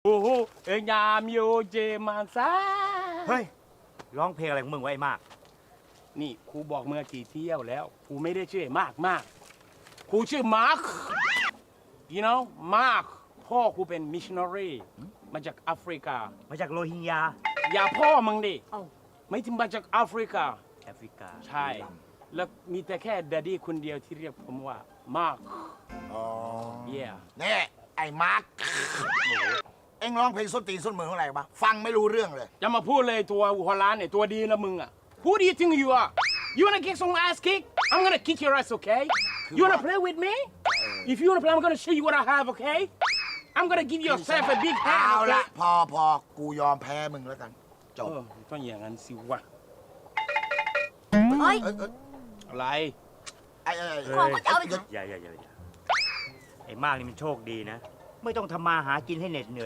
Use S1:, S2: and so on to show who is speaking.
S1: โอ้โหเอ็งยามโยเจมันซา
S2: เฮ้ยร้องเพลงอะไรของมึงไว้มาก
S1: นี่ครูบอกเมื่อกี่เที่ยวแล้วครูไม่ได้ชื่อมากครูชื่อมาร์ค you know มาร์คพ่อครูเป็นมิชชันนารีมาจากแอฟริกา
S2: มาจากโรฮิงญา
S1: อย่าพ่อมึงดิ
S2: เอ้า
S1: ไม่ถึงมาจากแอฟริกา
S2: แอฟริกา
S1: ใช่ แล้วมีแต่แค่ดดดี้คนเดียวที่เรียกผมว่ามาร์ค
S3: อ๋อ
S1: yeah
S3: นี่ไอ้มาร์คเอ็งร้องเพลงส้นตีนส้นมือเท่าไหร่ปะฟังไม่รู้เรื่องเลย
S1: จะมาพูดเลยตัวหัวล้านเนี่ยตัวดีนะมึงอ่ะ Who do you think you are you wanna kick some ass kick I'm gonna kick your ass okay you wanna play with me if you wanna play I'm gonna show you what I have okay I'm gonna give yourself a big
S3: เอา
S1: hand
S3: ละ
S1: okay
S3: พอกูยอมแพ้มึงแล้วกันจบ
S1: ต้องอย่างนั้นสิวะ
S4: เฮ้ย
S1: อะไร
S3: ไอ้
S4: กลัวมันจะเอาไป
S2: อย่าไอ้มากนี่มันโชคดีนะ ไม่ต้องทำมาหากินให้เหน็ดเหนื่อย